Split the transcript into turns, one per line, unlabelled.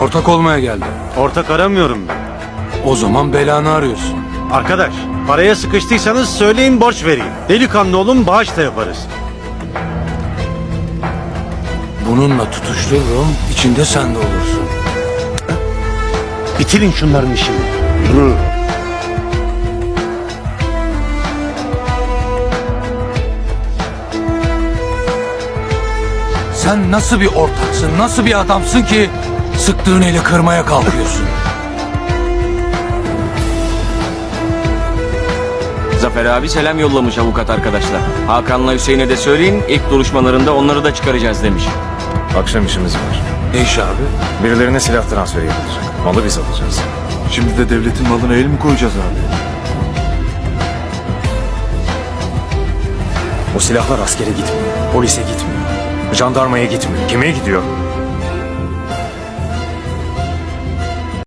Ortak olmaya geldim.
Ortak aramıyorum ben.
O zaman belanı arıyorsun.
Arkadaş, paraya sıkıştıysanız söyleyin, borç vereyim. Delikanlı olun, bağış da yaparız.
Bununla tutuştururum, içinde sen de olursun.
Bitirin şunların işini.
Sen nasıl bir ortaksın, nasıl bir adamsın ki sıktığın eli kırmaya kalkıyorsun?
Zafer abi selam yollamış avukat arkadaşlar. Hakan'la Hüseyin'e de söyleyin, ilk duruşmalarında onları da çıkaracağız demiş.
Akşam işimiz var.
Ne iş abi?
Birilerine silah transferi yapılacak. Malı biz alacağız.
Şimdi de devletin malına el mi koyacağız abi?
O silahlar askere gitmiyor. Polise gitmiyor. Jandarmaya gitmiyor. Kime gidiyor?